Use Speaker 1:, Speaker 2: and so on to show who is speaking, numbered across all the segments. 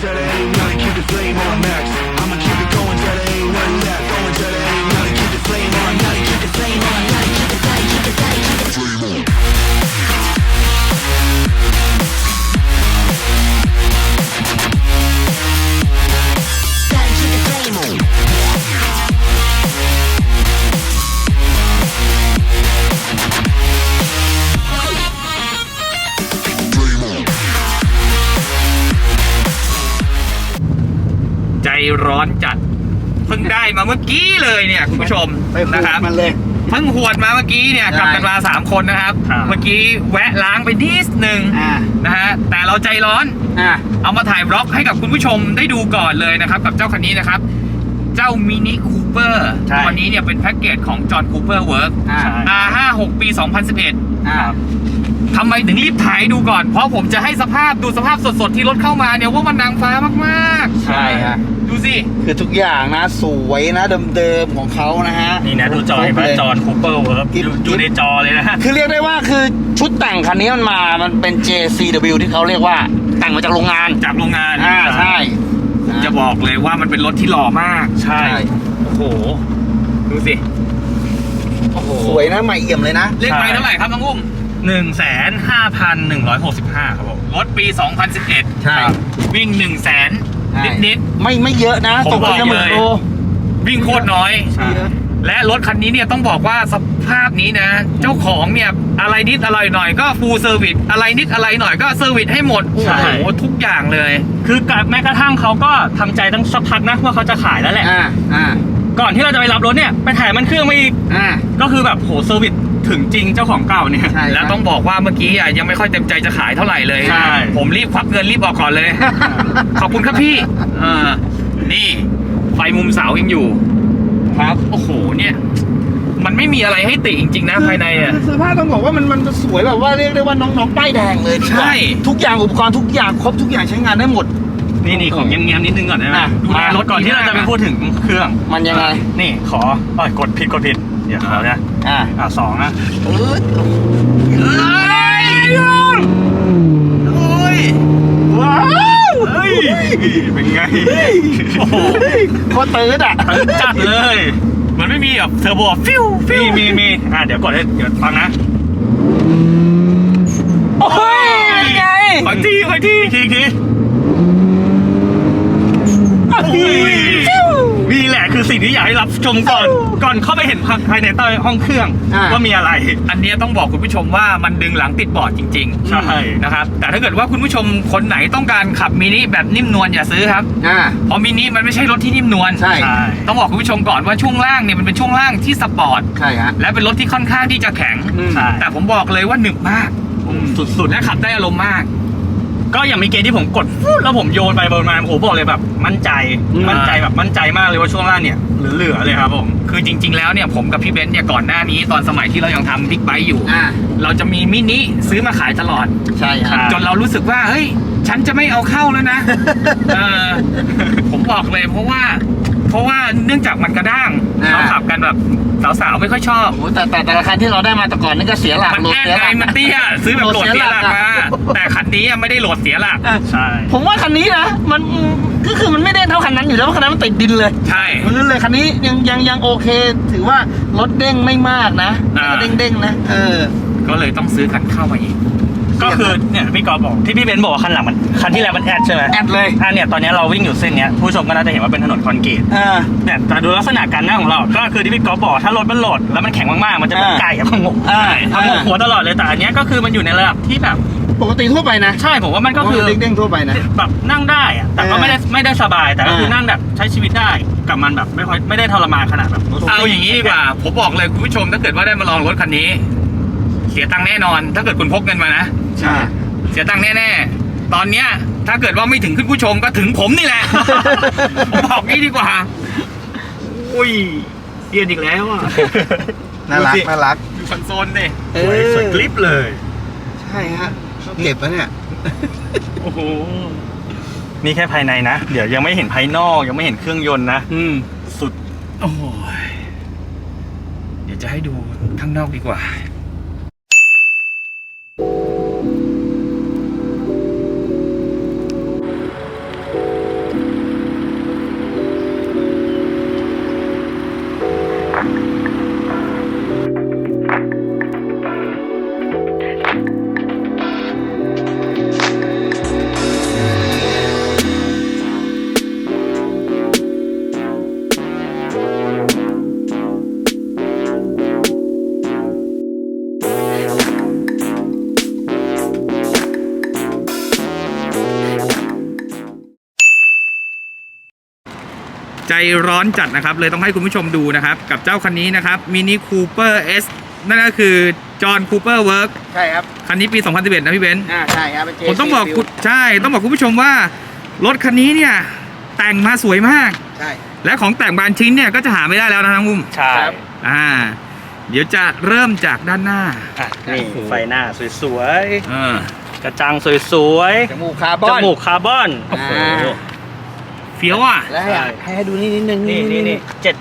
Speaker 1: till there ain't nothing, keep the flame on max. I'ma keep it going till there ain't nothing left. Going till there ain't nothing, keep the flame on, nothing, keep the flame on, nothing, keep the flame, keep the flame, keep the flame on. Gotta keep the flame on.
Speaker 2: ใจร้อนจัดเพิ่งได้มาเมื่อกี้เลยเนี่ยคุณผู้ชมนะครับมันเลยเพิ่งหวดมาเมื่อกี้เนี่ยกลับกันมา3คนนะครับเมื่อกี้แวะล้างไปนิดนึงนะฮะแต่เราใจร้อนเอามาถ่ายบล็อกให้กับคุณผู้ชมได้ดูก่อนเลยนะครับกับเจ้าคันนี้นะครับเจ้ามินิคูเปอร์ตัวนี้เนี่ยเป็นแพ็กเกจของจอห์นคูเปอร์เวิร์ก R56 ปี 2011ทำไมถึงรีบถ่ายดูก่อนเพราะผมจะให้ดูสภาพสดๆที่รถเข้ามาเนี่ยว่ามันนางฟ้ามากๆ
Speaker 3: ใช่ฮะ
Speaker 2: ดูสิ
Speaker 3: คือทุกอย่างนะสวยนะเดิมๆของเขานะฮะ
Speaker 4: นี่นะดูจอเห็นไหมจอห์นคูเปอร์เวิร์กอยู่ในจอเลยนะ
Speaker 3: คือเรียกได้ว่าคือชุดแต่งคันนี้มันเป็น JCW ที่เขาเรียกว่าแต่งมาจากโรงงานใช่
Speaker 2: จะบอกเลยว่ามันเป็นรถที่หล่อมาก
Speaker 4: ใช่
Speaker 2: โอ้โหดูสิ
Speaker 3: โอ้โหสวยนะใหม่เอี่ยมเลยนะ
Speaker 2: เลขไมล์เท่าไหร่ครับน้องอุ้ม
Speaker 4: 1,5,165 ครับผม
Speaker 2: รถปี 2011
Speaker 3: ใช่
Speaker 2: วิ่ง 100,000 นิด
Speaker 3: ไม่เยอะนะ
Speaker 2: ตกเลยวิ่งโคตรน้อยและรถคันนี้เนี่ยต้องบอกว่าสภาพนี้นะเจ้าของเนี่ยอะไรนิดอะไรหน่อยก็ฟูลเซอร์วิสอะไรนิดอะไรหน่อยก็เซอร์วิสให้หมดโอ้โหทุกอย่างเลย
Speaker 4: คือแม้กระทั่งเขาก็ทำใจตั้งสักพักนะว่าเขาจะขายแล้วแหละก่อนที่เราจะไปรับรถเนี่ยไปถ่ายมันเครื่องมาอีกก็คือแบบโหเซอร์วิสถึงจริงเจ้าของเก่าเนี่ย
Speaker 2: แล้วต้องบอกว่าเมื่อกี้ยังไม่ค่อยเต็มใจจะขายเท่าไหร่เลยผมรีบควักเงินรีบออกก่อนเลย ขอบคุณครับพี่นี่ไฟมุมเสายังอยู่ครับโอ้โหเนี่ยมันไม่มีอะไรให้ติจริงๆนะภายใน
Speaker 3: เสื้อผ้าต้องบอกว่ามันสวยแบบว่าเรียกได้ว่าน้องๆป้ายแดงเลย
Speaker 2: ใช่
Speaker 3: ทุกอย่างอุปกรณ์ทุกอย่างครบทุกอย่างใช้งานได้หมด
Speaker 4: นี่ของเงี้ยนิดนึงก่อนได้ไหมดูแลรถก่อนที่เราจะไปพูดถึงเครื่อง
Speaker 3: มันยังไง
Speaker 4: นี่ขอกดผิดเดี๋ยวขอนะ2นะ
Speaker 2: โอ้ย
Speaker 4: ว้าวเป็นไง
Speaker 3: โอ้โหโคตรตื้น
Speaker 4: จัดเลย
Speaker 2: มันไม่มีแบบเทอร์โบฟิว
Speaker 4: มีเดี๋ยวกดให้เดี๋ยวฟังนะ
Speaker 3: โอ้ยไง
Speaker 2: ขอที
Speaker 4: นี่แหละคือสิ่งที่อยากให้รับชมก่อนเข้าไปเห็นภายในใต้ห้องเครื่องว่ามีอะไร
Speaker 2: อันนี้ต้องบอกคุณผู้ชมว่ามันดึงหลังติดบอร์ดจริง
Speaker 4: ๆใช่
Speaker 2: นะครับแต่ถ้าเกิดว่าคุณผู้ชมคนไหนต้องการขับมินิแบบนิ่มนวลอย่าซื้อครับเพราะมินิมันไม่ใช่รถที่นิ่มนวล
Speaker 3: ใช่
Speaker 2: ต้องบอกคุณผู้ชมก่อนว่าช่วงล่างเนี่ยมันเป็นช่วงล่างที่สปอร์ต
Speaker 3: ใช่ฮะ
Speaker 2: และเป็นรถที่ค่อนข้างที่จะแข็งแต่ผมบอกเลยว่าหนึบมากสุดๆและขับได้อารมณ์มาก
Speaker 4: ก็อย่างมีเกณฑ์ที่ผมกดแล้วผมโยนไปบนมาโอ้บอกเลยแบบมั่นใจแบบมั่นใจมากเลยว่าช่วงล่างเนี่ยเหลือเลยครับผม
Speaker 2: คือจริงๆแล้วเนี่ยผมกับพี่เบนซ์เนี่ยก่อนหน้านี้ตอนสมัยที่เรายังทำบิ๊กไบค์อยู่เราจะมีมินิซื้อมาขายตลอด
Speaker 3: ใช่ครับ
Speaker 2: จนเรารู้สึกว่าเฮ้ยฉันจะไม่เอาเข้าแล้วนะผมบอกเลยเพราะว่าเนื่องจากมันกระด้างเขาขับกันแบบสาวๆไม่ค่อยชอบ
Speaker 3: แต่ละคันที่เราได้มาแต่ก่อนนี่ก็เสียหลัก
Speaker 2: มันแน่ไงมันเตี้ยซื้อแบบโหลดเสียหลักมาแต่คันนี้ไม่ได้โหลดเสียหลัก
Speaker 4: ใช่
Speaker 3: ผมว่าคันนี้นะมันก็คือมันไม่ได้เท่าคันนั้นอยู่แล้วคันนั้นมันติดดินเลย
Speaker 2: ใช่
Speaker 3: มันลื่นเลยคันนี้ยังโอเคถือว่ารถเด้งไม่มากนะเด้งนะ
Speaker 2: ก็เลยต้องซื้อคันเข้ามาอีก
Speaker 4: ก็คือเนี่ยพี่กอล์ฟบอกที่พี่เบนซ์บอกว่าคันหลังมันคันที่แล้วมันแอดใช่ไหม
Speaker 3: แอดเลย
Speaker 4: เนี่ยตอนนี้เราวิ่งอยู่เส้นเนี้ยผู้ชมก็น่าจะเห็นว่าเป็นถนนคอนกรีตเนี่ยแต่ดูลักษณะการนั่งของเราก็คือที่พี่กอล์ฟบอกถ้ารถมันโหลดแล้วมันแข็งมากๆมันจะเป็นไก่พังงกหัวตลอดเลยแต่อันนี้ก็คือมันอยู่ในระดับที่แบบ
Speaker 3: ปกติทั่วไปนะ
Speaker 4: ใช่ผมว่ามันก็คือ
Speaker 3: เด้งทั่วไปนะ
Speaker 4: แบบนั่งได้แต่ก็ไม่ได้สบายแต่ก็คือนั่งแบบใช้ชีวิตได้กับมันแบบไม่ได้ทรมานขนาดแบบ
Speaker 2: เอาอย่างนี้ดีกว่าผมบอกเลยคุณผู้ชมถ้าเกิดว่าได้มาลองรถคันนี้เสียตังค์แน่นอนถ้าเกิดคุณพกเงินมานะ
Speaker 3: ใช่
Speaker 2: เสียตังค์แน่ๆตอนเนี้ยถ้าเกิดว่าไม่ถึงคุณผู้ชมก็ถึงผมนี่แหละ ผมบอกงี้ดีกว่า
Speaker 4: อุ้ยเรียนอีกแล้วอ่ะ
Speaker 3: น่ารัก
Speaker 2: อยู่คอนโซลดิ
Speaker 4: สวยคลิปเลย
Speaker 3: ใช่ฮะเก็บแล้วเนี่ย
Speaker 4: โอ้โหนี่แค่ภายในนะเดี๋ยวยังไม่เห็นภายนอกยังไม่เห็นเครื่องยนต์นะ
Speaker 2: สุดโอ้ยเดี๋ยวจะให้ดูข้างนอกดีกว่าใจร้อนจัดนะครับเลยต้องให้คุณผู้ชมดูนะครับกับเจ้าคันนี้นะครับ Mini Cooper S นั่นก็คือจอห์นคูเปอร์เวิร์ก
Speaker 3: ใช่ครับ
Speaker 2: คันนี้ปี 2011 นะพี่เบนซ์
Speaker 3: ใช่ครับเป็น JC
Speaker 2: ผมต้องบอกคุณใช่ต้องบอกคุณผู้ชมว่ารถคันนี้เนี่ยแต่งมาสวยมาก
Speaker 3: ใช่
Speaker 2: และของแต่งบางชิ้นเนี่ยก็จะหาไม่ได้แล้วนะทั้งมุม
Speaker 4: ใช่
Speaker 3: ครับ
Speaker 2: เดี๋ยวจะเริ่มจากด้านหน้า
Speaker 4: อ่ะนี่ไฟหน้าสวย
Speaker 2: เออก
Speaker 4: ระจังสวย
Speaker 3: จมูกคาร์บ
Speaker 4: ๆจ
Speaker 3: อน
Speaker 4: มูกคาร์บอน
Speaker 3: โอ้โห
Speaker 2: เฟี้ยวอ่ะ
Speaker 3: แล้วให้ดูนี่นิดนึง
Speaker 4: นี่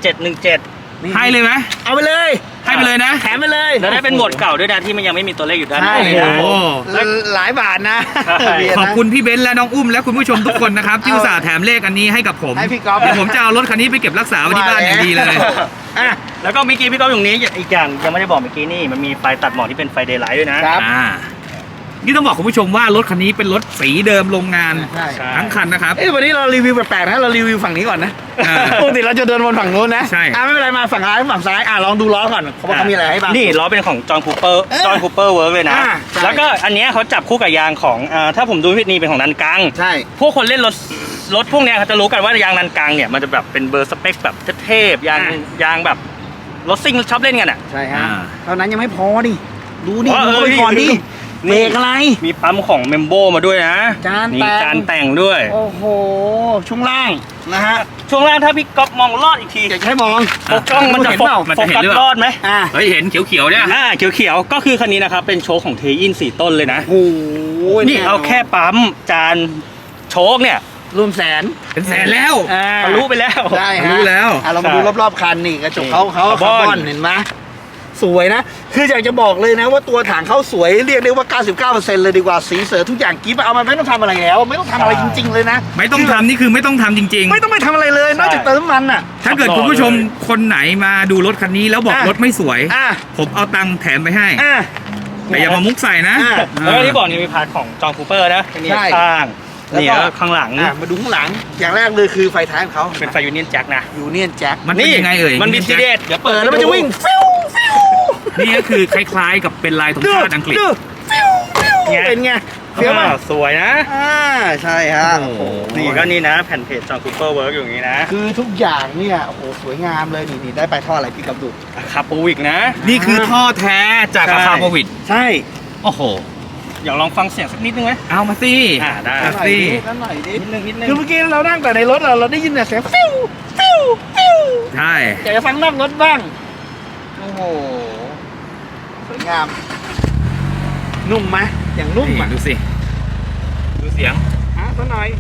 Speaker 4: 7717
Speaker 2: ให้เลยไหม
Speaker 3: เอาไปเลย
Speaker 2: ให้ไปเลยนะ
Speaker 3: แถมไปเลย
Speaker 4: แล้วได้เป็นโหมดเก่าด้วยนะที่มันยังไม่มีตัวเลขอยู่ด้าน
Speaker 3: ใช่
Speaker 4: ในเลย
Speaker 2: โอ้
Speaker 4: นะ
Speaker 2: โห
Speaker 3: หลายบาทนะ
Speaker 4: ใช่
Speaker 3: เบียร์นะ
Speaker 2: ขอบคุณพี่เบนซ์และน้องอุ้มและคุณผู้ชมทุกคนนะครับที่อุตส่าห์แถมเลขอันนี้ให้กับผม
Speaker 3: ให้พี่ก๊อฟ
Speaker 2: เดี๋ยวผมจะเอารถคันนี้ไปเก็บรักษาไว้ที่บ้านอย่างดีเลย
Speaker 3: อ่ะ
Speaker 4: แล้วก็เมื่อกี้พี่ก๊อฟอยู่นี้อีกอย่างยังไม่ได้บอกเมื่อกี้นี่มันมีไฟตัดหมอกที่เป็นไฟเดย์ไลท์ด้วยนะครับ
Speaker 2: นี่ต้องบอกคุณผู้ชมว่ารถคันนี้เป็นรถสีเดิมโรงงาน
Speaker 3: ใช่
Speaker 2: ทั้งคันนะครับ
Speaker 3: วันนี้เรารีวิวแปลกๆนะเรารีวิวฝั่งนี้ก่อนนะ
Speaker 2: อ่า
Speaker 3: ปกติเราจะเดินวนฝั่งนู้นนะ
Speaker 2: ใช่
Speaker 3: ไม่เป็นไรมาฝั่งซ้ายฝั่งซ้ายลองดูล้อก่อนเพราะว่าเขามีอะไรให้บ้าง
Speaker 4: นี่ล้อเป็นของจอห์นคูเปอร์
Speaker 3: เออ
Speaker 4: จอห์นคูเปอร์เวิร์กเลยนะ
Speaker 3: ใช่
Speaker 4: แล้วก็อันเนี้ยเขาจับคู่กับยางของถ้าผมดูผิดนี่เป็นของนันกัง
Speaker 3: ใช่
Speaker 4: พวกคนเล่นรถพวกเนี้ยเขาจะรู้กันว่ายางนันกังเนี่ยมันจะแบบเป็นเบอร์สเปคแบบเทพๆยางแบบรถซิ่งชอบเล่นกันอ่ะ
Speaker 3: ใช่ฮะ
Speaker 2: อ่า
Speaker 3: เท่านั้นยังไม่พอดิดูดิ
Speaker 4: อ๋อ
Speaker 3: ดูไปก่อนดิ
Speaker 4: นี่
Speaker 3: เบรกอะไร
Speaker 4: มีปั๊มของเมมโบมาด้วยนะ
Speaker 3: จาน
Speaker 4: มี
Speaker 3: แต่ง
Speaker 4: จานแต่งด้วย
Speaker 3: โอ้โหช่วงล่างนะฮะ
Speaker 4: ช่วงล่างถ้าพี่ก๊อฟมองลอดอีกที
Speaker 3: อยากจะให้มอง
Speaker 4: โฟกัสมันจะ
Speaker 3: เห็น
Speaker 4: โฟ
Speaker 3: เปล่า
Speaker 2: มัน
Speaker 4: โฟ
Speaker 2: จะเห็น
Speaker 4: กัส
Speaker 2: หรือเปล่า
Speaker 4: รอดไหม
Speaker 3: อ่ะ
Speaker 2: เฮ้ยเห็นเขียวๆเนี่ย
Speaker 4: เขียวๆก็คือคันนี้นะครับเป็นโชคของเทอิน4ต้นเลยนะ
Speaker 3: โอ้โห
Speaker 4: นี่เอาแค่ปั๊มจานโชคเนี่ย
Speaker 3: รวมแสน
Speaker 2: เป็นแสนแล้ว
Speaker 4: ทะลุไปแล้ว
Speaker 3: ได้ฮะ
Speaker 2: รู้แล้ว
Speaker 3: เรามาดูรอบๆคันนี่กระจกเขา
Speaker 4: คาร์บอน
Speaker 3: คาร์บอนเห็นไหมสวยนะ คืออยากจะบอกเลยนะว่าตัวถังเขาสวยเรียกได้ว่า 99% เลยดีกว่าสีเสือทุกอย่างกิ๊บเอามาไม่ต้องทำอะไรแล้ว ไม่ต้องทำอะไรจริง ๆ เลยนะ
Speaker 2: ไม่ต้องทำนี่คือไม่ต้องทำจริง
Speaker 3: ไม่ต้องไปทำอะไรเลยนอกจากเติมน้ำมันอ่ะ
Speaker 2: ๆ ถ้าเกิดคุณผู้ชมคนไหนมาดูรถคันนี้แล้วบอก
Speaker 3: อ่ะ
Speaker 2: รถไม่สวย
Speaker 3: อ่ะ
Speaker 2: ผมเอาตังค์แถมไปให้
Speaker 3: อ่ะ
Speaker 2: แต่อย่ามามุกใส่นะ
Speaker 3: อ่ะ
Speaker 4: แล้วก็ที่บอกนี่มีพาร์ทของจอห์นคูเปอร์นะนี่
Speaker 3: ใช่
Speaker 4: ข้าง
Speaker 3: แล้ว
Speaker 4: นี่
Speaker 3: ก็
Speaker 4: แล้วข้างหลัง
Speaker 3: มาดูข้างหลังอย่างแรกเลยคือไฟท้ายของเขา
Speaker 4: เป็นไฟยูเนียนแจ็คนะ
Speaker 3: ยูเนียนแจ็ค
Speaker 2: มันเป็นยังไงเอ่ย
Speaker 4: มันมีทีเด็ดเดี๋ยว
Speaker 3: เปิ
Speaker 4: เปิ
Speaker 3: ด
Speaker 4: ด
Speaker 3: แล้วมันจะวิ่งฟิวฟิว
Speaker 2: นี่ก็คือคล้ายๆกับเป็นลายธงชาติอังกฤษ
Speaker 3: ดูฟิวฟิวเป็นไงเฟี้ยว
Speaker 4: อ่า
Speaker 3: ป่ะ
Speaker 4: สวยนะ
Speaker 3: ใช่ฮะ
Speaker 2: โอ้โห
Speaker 4: นี่ก็นี่นะแผ่นเพจจอห์นคูเปอร์เวิร์กอยู่อย่างนี้นะ
Speaker 3: คือทุกอย่างเนี่ยโอ้โหสวยงามเลยนี่ได้ไปท่ออะไรพี่กับดู
Speaker 4: คาปูวิกนะ
Speaker 2: นี่คือท่อแท้จาก
Speaker 4: ใช่
Speaker 2: อาคาโควิด
Speaker 3: ใช่
Speaker 2: โอ้โห
Speaker 4: อยากลองฟังเสียงสักนิดนึงไหม
Speaker 2: เอามาสิ
Speaker 4: ได้
Speaker 2: เอา
Speaker 3: หน่อย
Speaker 2: สิ
Speaker 3: ดิหน่อยดิ
Speaker 4: นิดนึง
Speaker 3: คือเมื่อกี้เรานั่งแต่ในรถเราได้ยินแต่เสียงฟิวฟิวฟิว
Speaker 2: ใช่
Speaker 3: อยากจะฟังนอกรถบ้างโอ้โหสวยงาม นุ่มไหมอย่างนุ่ม
Speaker 2: นี่
Speaker 3: อ่ะ
Speaker 2: ดูสิ ดูเสียง
Speaker 3: สักหน่อย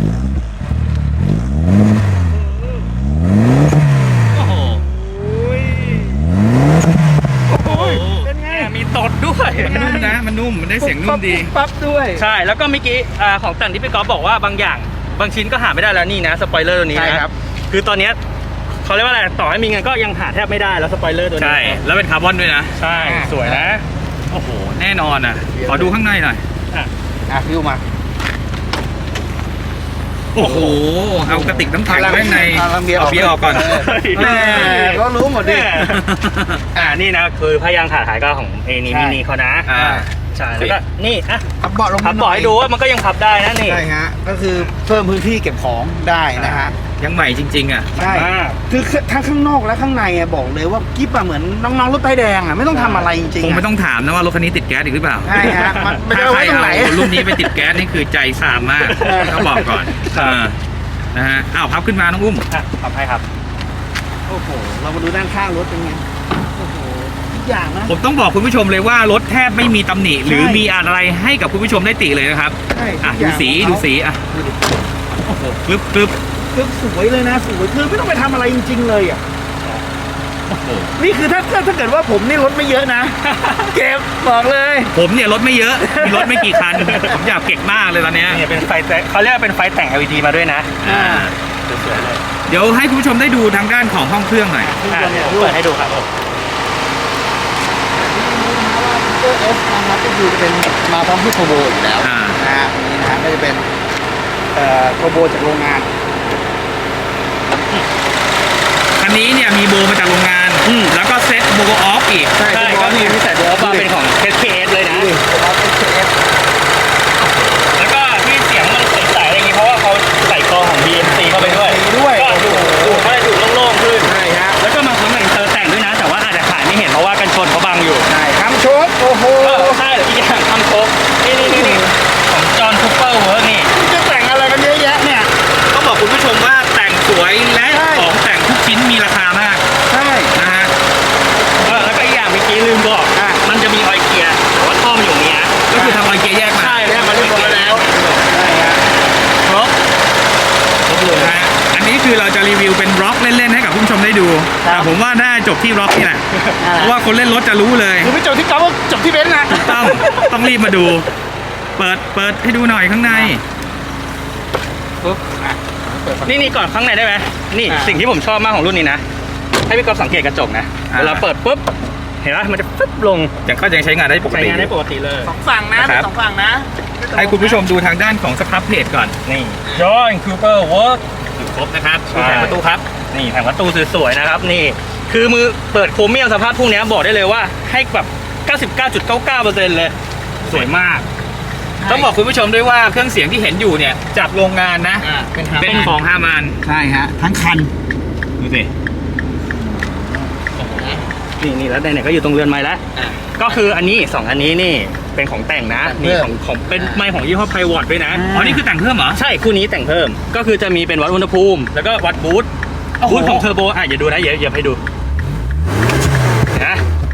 Speaker 2: โอ้โห
Speaker 3: โอ้ยโอ้ยเป็นไง
Speaker 4: มีตดด้วย
Speaker 2: มันนุ่มนะ มันนุ่ม มันได้เสียงนุ่มดี
Speaker 3: ปั๊บด้วย
Speaker 4: ใช่แล้วก็เมื่อกี้ของแต่งที่พี่ก๊อฟบอกว่าบางอย่างบางชิ้นก็หาไม่ได้แล้วนี่นะสปอยเลอร์ตัวนี้
Speaker 3: ใช่
Speaker 4: นะครับ คือตอนเนี้ยเขาเรียกว่าอะไรต่อให้มีเงินก็ยังหาแทบไม่ได้แล้วสปอยเลอร์ตัวนี้
Speaker 2: ใช่ แล้วเป็นคาร์บอนด้วยนะ
Speaker 4: ใช่สวยนะ
Speaker 2: โอ้โห แน่นอนอ่ะ ขอดูข้างในหน่อย
Speaker 3: ฟิวมา
Speaker 2: โอ้โห เอากระติกน้ำแข็งไว้ข้างใน
Speaker 3: เอาเบียร์ออก
Speaker 2: เบียร์ออกก่อน
Speaker 3: แม่ก็รู้หมดดิ
Speaker 4: นี่นะคือพยางขาถ่ายก็ของเอนี่
Speaker 3: ใช่
Speaker 4: มินิเขานะ
Speaker 2: อ่า
Speaker 4: ใช่แล้วก็นี่อ่ะ
Speaker 3: พับเบาะลง
Speaker 4: พับบ่อยดูว่ามันก็ยังพับได้นะนี่
Speaker 3: ใช่ฮะก็คือเพิ่มพื้นที่เก็บของได้นะฮะ
Speaker 2: ยังใหม่จริง ๆ อ่ะ
Speaker 3: ใช่ คือทั้งข้างนอกและข้างในอะบอกเลยว่ากิ๊บอะเหมือนน้องๆรถไฟแดงอะไม่ต้องทำอะไรจริงๆ
Speaker 2: คง
Speaker 3: อะ
Speaker 2: ไม่ต้องถามนะว่ารถคันนี้ติดแก๊สอีกหรือเปล่า
Speaker 3: ใช่ฮะมันจะ
Speaker 2: ถ้า
Speaker 3: เอา
Speaker 2: ใคร
Speaker 3: ไว้ตรงไหน
Speaker 2: เอารุ่นนี้ไปติดแก๊สนี่คือใจซามมาก ต้องบอกก่อนนะฮะ อ้าวพับขึ้นมาน้องอุ้ม
Speaker 4: พับให้ครับ
Speaker 3: โอ้โหเรามาดูด้านข้างรถเป็นไงโอ้โหทุกอย่างนะ
Speaker 2: ผมต้องบอกคุณผู้ชมเลยว่ารถแทบไม่มีตำหนิ หรือมีอะไรให้กับคุณผู้ชมได้ติเลยนะครับ
Speaker 3: ใช่
Speaker 2: อ่ะ
Speaker 3: ทุก
Speaker 2: ดู
Speaker 3: อย่าง
Speaker 2: สี
Speaker 3: ของเขา
Speaker 2: ดูสีอ่ะ โอ้โหกรึบกรึบ
Speaker 3: คือสวยเลยนะสวยคือไม่ต้องไปทำอะไรจริง ๆ เลยอะ
Speaker 2: โอ้โห
Speaker 3: นี่คือถ้าเกิดว่าผมนี่รถไม่เยอะนะ เก็บบอกเลย
Speaker 2: ผมเนี่ยรถไม่เยอะ มีรถไม่กี่คัน ผมอยากเก็บมากเลยตอนเนี้ย
Speaker 4: นี่เป็นไฟแต่เขาเรียกว่าเป็นไฟแต่ง LED มาด้วยนะ
Speaker 2: อ่า
Speaker 4: สวยๆเลย
Speaker 2: เดี๋ยวให้คุณผู้ชมได้ดูทางด้านของห้องเครื่องหน่อย
Speaker 4: เดี๋ยวผมเปิดให้ดูครับผม
Speaker 3: Super S นะครับก็คือจะเป็นมาพร้อมที่โทโบอยู่แล้ว
Speaker 2: อ่า
Speaker 3: นะฮะนี่นะฮะก็จะเป็นโทโบจากโรงงาน
Speaker 2: คันนี้เนี่ยมีโบมาจากโรงงาน แล้วก็เซ็ตโบออฟอีก
Speaker 3: ใช่
Speaker 4: ใช่ก็มีพิเศษด้วยว่าเป็นของ SKS เลยนะ
Speaker 3: SKS
Speaker 4: แล้วก็ที่เสียงมันใสๆอะไรอย่างงี้เพราะว่าเขาใส่กรองของ BMC เข้าไปด้วย
Speaker 3: ด้วย
Speaker 4: ก็ดู
Speaker 2: คือเราจะรีวิวเป็นร็อกเล่นๆให้กับผู้ชมได้ดูแต่ผมว่าน่าจบที่ร็อกนี่แหละเพราะว่าคนเล่นรถจะรู้เลย
Speaker 3: คือไม่จบที่ก๊อฟก็จบที่เบนซ์นะ
Speaker 2: ต้องรีบมาดู เปิดให้ดูหน่อยข้างใน
Speaker 3: ปุ๊บเปิด
Speaker 4: นี่ก่อนข้างในได้ไหมนี่สิ่งที่ผมชอบมากของรุ่นนี้นะให้พี่ก๊อฟสังเกตกระจกนะเวลาเปิดปุ๊บเห็นไหมมันจะปึ๊บลง
Speaker 2: ก็ยังใช้งานได้ปก
Speaker 4: ใช้
Speaker 2: ติ
Speaker 4: งานได้ปกติเลย
Speaker 3: สองฝั่งนะเป็นสองฝั่งนะ
Speaker 2: ให้คุณผู้ชมดูทางด้านของสครับเพจก่อน
Speaker 4: นี่ Joy Cooper Work
Speaker 2: อยู่ครบนะครับ
Speaker 4: ใช่
Speaker 2: ดูแผงประตูครับ
Speaker 4: นี่แผงประตูสวยๆนะครับนี่คือมือเปิดโครเมียมสภาพพวกนี้บอกได้เลยว่าให้แบบ 99.99% เลยสวยมาก
Speaker 2: ต้องบอกคุณผู้ชมด้วยว่าเครื่องเสียงที่เห็นอยู่เนี่ยจากโรงงานนะ เป็นของฮามาน
Speaker 3: ใช่ฮะทั้งคัน
Speaker 2: ดูสิ
Speaker 4: นี่แล้วไหนๆก็อยู่ตรงเรือนไม้แล้วก็คืออันนี้2อันนี้นี่เป็นของแต่งนะนี่ของเป็นไม้ของยี่ห้อไพวอตด้วยนะ
Speaker 2: อ๋อนี่คือแต่งเพิ่มเหรอ
Speaker 4: ใช่คู่นี้แต่งเพิ่มก็คือจะมีเป็นวัดอุณหภูมิแล้วก็วัดบูท
Speaker 2: โอ้โห
Speaker 4: บูทของเทอร์โบอย่าดูนะอย่าให้ดูนะ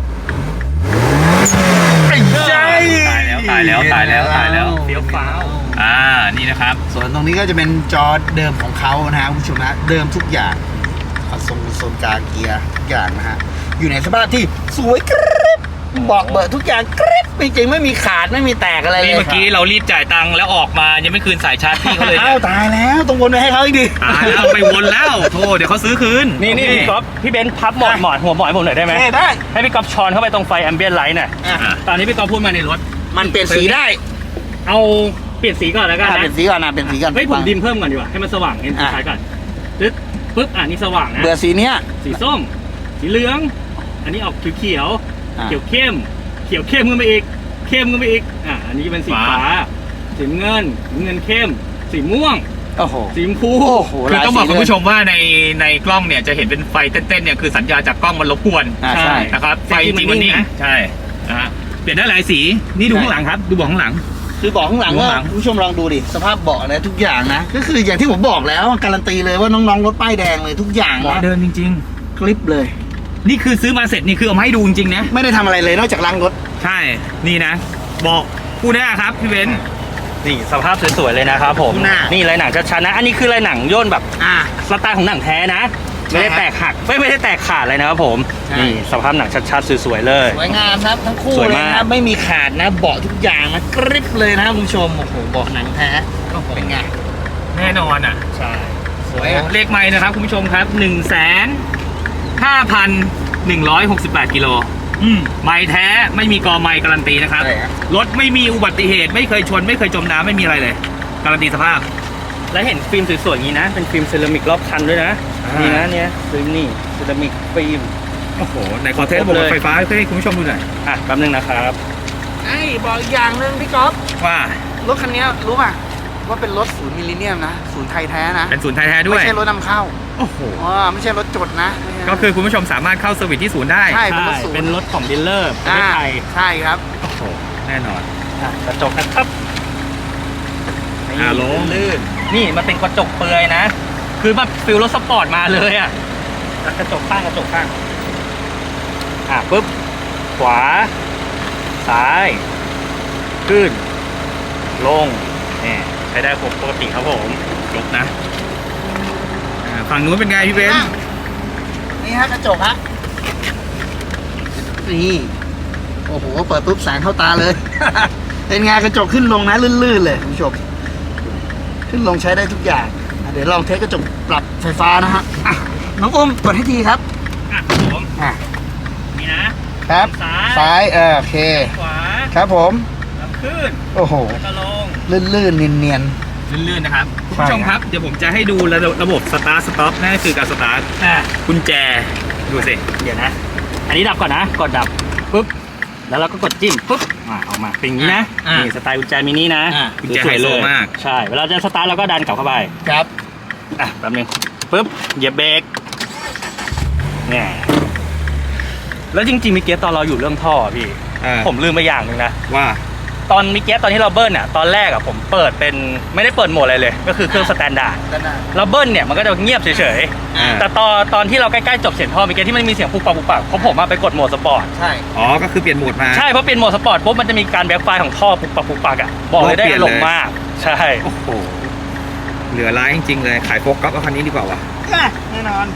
Speaker 3: ใช่
Speaker 2: ตายแล้ว
Speaker 4: เฟี้ยวฟ้าว
Speaker 2: นี่นะครับ
Speaker 3: ส่วนตรงนี้ก็จะเป็นจอเดิมของเขานะฮะคุณผู้ชมนะเดิมทุกอย่างโซนกลางเกียร์ทุกอย่างนะฮะอยู่ในสภาพที่สวยกริบเบาะเบิดทุกอย่างกริบจริงๆไม่มีขาดไม่มีแตกอะไรเลย
Speaker 2: นี่เมื่อกี้เรารีบจ่ายตังค์แล้วออกมายังไม่คืนสายชาร์จพี่เขาเลย
Speaker 3: อ้าวตายแล้วต้องวนไปให้เขาอีกดิ
Speaker 2: ตายแล้วไปวนแล้วโธ่เดี๋ยวเขาซื้อคืน
Speaker 4: นี่พี่ก๊อฟพี่เบนซ์พับหมอนหัวหมอนให้ผมหน่อยได้ไหม
Speaker 3: ได้
Speaker 4: ให้พี่ก๊อฟช้อนเข้าไปตรงไฟแอมเบียนไลท์หน่อย
Speaker 3: อ่ะ
Speaker 4: ตอนนี้พี่ก๊อฟพูดมาในรถ
Speaker 3: มันเปลี่ยนสีได้
Speaker 4: เอาเปลี่ยนสีก่อนแล้วกัน
Speaker 3: เป
Speaker 4: นะ
Speaker 3: ลี่ยนสีก่อนนะเปลี่ยนสีก่อน
Speaker 4: เฮ้ยผมดิมเพิ่มก่อนดีกว่าให้มันสว่างเห็นคล้ายก่อนปึ๊บนี่สว่างนะ
Speaker 3: เบื่อสีเนี้ย
Speaker 4: สีส้ม สีเหลือง อันนี้ออกเขียว
Speaker 3: อ่ะ
Speaker 4: เขียวเข้มขึ้นไปอีกเข้มขึ้นไปอีกอันนี้เป็นสีฟ้าสีเงินเข้ม สีม่วง
Speaker 3: โอ้โห
Speaker 4: สีชมพู
Speaker 3: โอ้โห
Speaker 2: คือต้องบอกคุณผู้ชมว่าในกล้องเนี่ยจะเห็นเป็นไฟเต้นๆเนี่ยคือสัญญาณจากกล้องมันรบกวน
Speaker 3: ใช่
Speaker 2: นะครับไฟจริงมันนิ่งใช่นะฮะเปลี่ยนได้หลายสีนี่ดูข้างหลังครับดูเบาะข้างหลัง
Speaker 3: คือเบอกข้างหลังว่าคุณผู้ชมลองดูดิสภาพเบาะนะทุกอย่างนะก็คืออย่างที่ผมบอกแล้วการันตีเลยว่าน้องๆรถป้ายแดงเลยทุกอย่าง
Speaker 2: เบาะ
Speaker 3: นะ
Speaker 2: เดิมจริง
Speaker 3: คลิปเลย
Speaker 2: ๆ นี่คือซื้อมาเสร็จนี่คือเอามาให้ดูจริงๆนะ
Speaker 3: ไม่ได้ทำอะไรเลยนอกจากล้างรถ
Speaker 2: ใช่นี่นะบอกคู่หน้าครับพี่เบนซ์
Speaker 4: นี่สภาพสวยๆเลยนะครับผม
Speaker 3: หน้า
Speaker 4: นี่ลายหนังชัดๆนะอันนี้คือลายหนังย่นแบบสไตล์ของหนังแท้นะ
Speaker 3: ใช่
Speaker 4: ไม่ได้แตกหักไม่ได้แตกขาดเลยนะครับผม
Speaker 3: ใช่
Speaker 4: นี่สภาพหนังชัดๆสวยๆเลย
Speaker 3: สวยงามครับทั้งคู่
Speaker 4: สวย
Speaker 3: เลย
Speaker 4: มาก
Speaker 3: นะไม่มีขาดนะเบาะทุกอย่างนะกริบเลยนะคุณผู้ชมโอ้โหเบาะหนังแท้เป็นไง
Speaker 2: แน่นอนอ่ะ
Speaker 4: ใช่
Speaker 3: สวยอ่ะ
Speaker 2: เลขไม้นะครับคุณผู้ชมครับ 1,5,168 กิโลไม้แท้ไม่มีกอไม้การันตีนะครับ
Speaker 3: ใช่ครับ
Speaker 2: รถไม่มีอุบัติเหตุไม่เคยชนไม่เคยจมน้ำไม่มีอะไรเลยการันตีสภาพ
Speaker 4: แล้วเห็นฟิล์มสวยๆอย่างนี้นะเป็นฟิล์มเซรามิกรอบคันด้วยนะ
Speaker 2: อ่านี่
Speaker 4: นี่นะเนี่ยฟิล์มนี่เซรามิกฟิล์ม
Speaker 2: โอ้โหในขอเทสระบบไฟฟ้าให้คุณผู้ชมดูหน่อย
Speaker 4: แป๊บนึงนะครับ
Speaker 3: ไอ้บอกอีกอย่างหนึงพี่ก๊อฟ
Speaker 2: ว่าร
Speaker 3: ถคันนี้รู้ป่ะว่าเป็นรถศูนย์มิลลิเนียมนะศูนย์ไทยแท้นะ
Speaker 2: เป็นศูนย์ไทยแท้ด้วย
Speaker 3: ไม่ใช่รถนำเข้า
Speaker 2: โอ้โห
Speaker 3: ไม่ใช่รถจดนะไม่ใช่
Speaker 2: ก็คือคุณผู้ชมสามารถเข้าเซอร์วิสที่ศูนย์ได้
Speaker 3: ใช่เป็นรถศูนย์
Speaker 4: เป็นรถของดีลเลอร์ประเทศไทย
Speaker 3: ใช่ครับ
Speaker 2: โอ้โหแน่นอน
Speaker 4: กระจกนะครับ
Speaker 2: ลง
Speaker 4: ลื่นนี่มันเป็นกระจกเปลือยนะ คือแบบฟิลรถสปอร์ตมาเลยอ่ะกระจกข้างปุ๊บขวา ซ้าย ขึ้น ลงเนี่ยใช้ได้ปกติครับผม
Speaker 2: จบนะฝั่งนู้นเป็นไงพี่เบนซ์
Speaker 3: นี่ฮะกระจกฮะนี่โอ้โหเปิดปุ๊บแสงเข้าตาเลย เป็นไงกระจกขึ้นลงนะลื่นๆเลยคุณผู้ชมขึ้นลงใช้ได้ทุกอย่างเดี๋ยวลองเทสกระจกปรับไฟฟ้านะฮะน้องอุ้มกดให้ทีครับ
Speaker 4: ผม นี่นะครับ ซ้าย
Speaker 3: โอเค
Speaker 4: ขวา
Speaker 3: ครับผม
Speaker 4: แล้วขึ้น
Speaker 3: โอ้โห
Speaker 4: แล้วก็ลง
Speaker 3: ลื่นๆเนียน
Speaker 2: ลื่นๆนะครับคุณ
Speaker 3: ใช่
Speaker 2: ผู้ชมครับเดี๋ยวผมจะให้ดูระบบสตาร์ทสต็อปนั่นก็คือการสตาร์ทกุญแจดูสิ
Speaker 4: เดี๋ยวนะ อันนี้ดับก่อนนะ กดดับปุ๊บ แล้วเราก็กดจิ้มปุ๊บออกมาเป็นอย่างนี้นะ นี่สไตล์กุญแจมินินะ
Speaker 2: กุญแจไฮโซมาก
Speaker 4: ใช่ เวลาจะสตาร์ทเราก็ดันกลับเข้าไป
Speaker 3: ๆครับ
Speaker 4: แป๊บนึงปุ๊บ เหยียบเบรกเนี่ยแล้วจริงๆเมื่อกี้ตอนเราอยู่เรื่องท่อพี่ ผมลืมไปอย่างหนึ่งนะ
Speaker 2: ว่า
Speaker 4: ตอนเมื่อกี้ตอนที่เราเบิ้ลอ่ะ ตอนแรกอ่ะผมเปิดเป็นไม่ได้เปิดโหมดอะไรเลย ก็คือเครื่องสแตนดาร์ด
Speaker 3: ด้านหน้า
Speaker 4: เราเบิ้ลเนี่ยมันก็จะเงียบเฉย
Speaker 2: อ่า
Speaker 4: ๆ แต่ตอนที่เราใกล้ๆจบเสียงท่อเมื่อกี้ที่มันมีเสียงปุกปักเพราะผมไปกดโหมดสปอร์ต
Speaker 3: ใช่
Speaker 2: อ๋อก็คือเปลี่ยนโหมดมา
Speaker 4: ใช่เพราะเป็นโหมดสปอร์ตปุ๊บมันจะมีการแบ็คไฟของท่อปุกปักอ่ะบอกเลยได้
Speaker 2: เปลี่ยน
Speaker 4: ห
Speaker 2: เลย
Speaker 4: ลงมาก ใช่
Speaker 2: โอ้โหเหลือร้ายจริงๆเลยขายโฟกัสเอาคันนี้ดีกว่าว่ะ
Speaker 3: อ่ะแน่นอน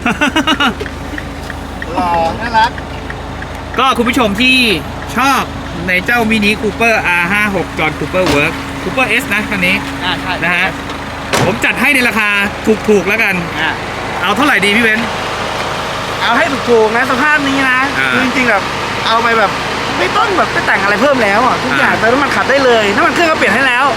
Speaker 3: หล่อน่ารัก
Speaker 2: ก็คุณผู้ชมที่ชอบในเจ้ามินิคูเปอร์ R56 จอห์นคูเปอร์เวิร์กคูเปอร์ S นะคันนี้
Speaker 3: ใช่
Speaker 2: นะฮะผมจัดให้ในราคาถูกๆแล้วกัน เอาเท่าไหร่ดีพี่เบนซ์
Speaker 3: เอาให้ถูกๆนะสภาพนี้นะ
Speaker 2: อ่า
Speaker 3: คือจริงๆแบบเอาไปแบบไม่ต้องแบบไปแต่งอะไรเพิ่มแล้วอ่ะทุกอย่างเติมน้ำมันขับได้เลยน้ำมันเครื่องก็เปลี่ยนให้แล้ว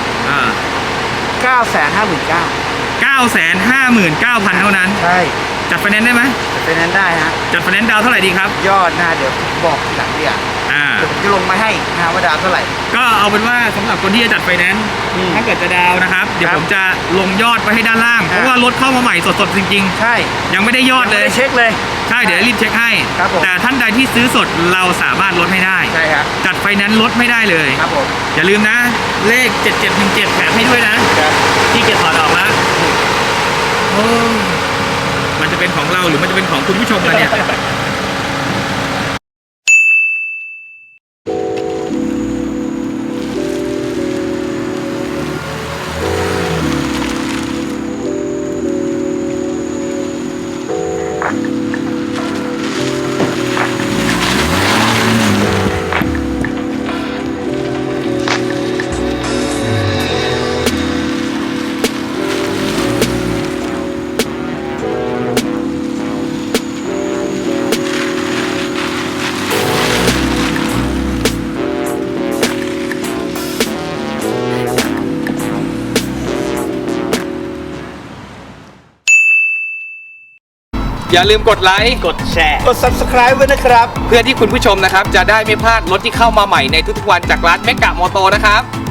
Speaker 3: 959,000
Speaker 2: 959,000 เท่านั้น
Speaker 3: ใช่
Speaker 2: จัดไฟแนนซ์ได้ไหม
Speaker 3: เป็นนั้นได้ฮะ
Speaker 2: จัดไฟแนนซ์ดาวน์เท่าไหร่ดีครับ
Speaker 3: ยอดนะเดี๋ยวบอกทีหลังดีอ่ะ
Speaker 2: อ่า
Speaker 3: เดี๋ยวผมจะลงมาให้นะว่าดาวเท่าไหร่
Speaker 2: ก็เอาเป็นว่าสำหรับคนที่จะจัดไฟแนนซ์
Speaker 3: อืม
Speaker 2: ถ้าเกิดจะดาวน์นะครับ เดี๋ยว
Speaker 3: ครับ
Speaker 2: ผมจะลงยอดไว้ให้ด้านล่าง เพราะว่ารถเข้ามาใหม่สดๆจริง
Speaker 3: ใช่
Speaker 2: ๆ ยังไม่ได้ยอดเลย
Speaker 3: ไม่ไเช็คเลย
Speaker 2: ใช่เดี๋ยวรีบเช็คให้
Speaker 3: ครับผม
Speaker 2: แต่ท่านใดที่ซื้อสดเราสามารถลดให้ได้
Speaker 3: ใช่ครับ
Speaker 2: จัดไฟแนนซ์ลดไม่ได้เลย
Speaker 3: ครับผม
Speaker 2: อย่าลืมนะ เลข 7717แถมให้ด้วยนะ
Speaker 3: ครับ
Speaker 2: ที่เกียรถอดออกแล้วโอ้มันจะเป็นของเราหรือมันจะเป็นของคุณผู้ชมล่ะเนี่ย อย่าลืมกดไลค์
Speaker 4: กดแชร์
Speaker 3: กด subscribe ไว้นะครับ
Speaker 2: เพื่อที่คุณผู้ชมนะครับ จะได้ไม่พลาดรถที่เข้ามาใหม่ในทุกๆวันจากร้านเมกะมอโตนะครับ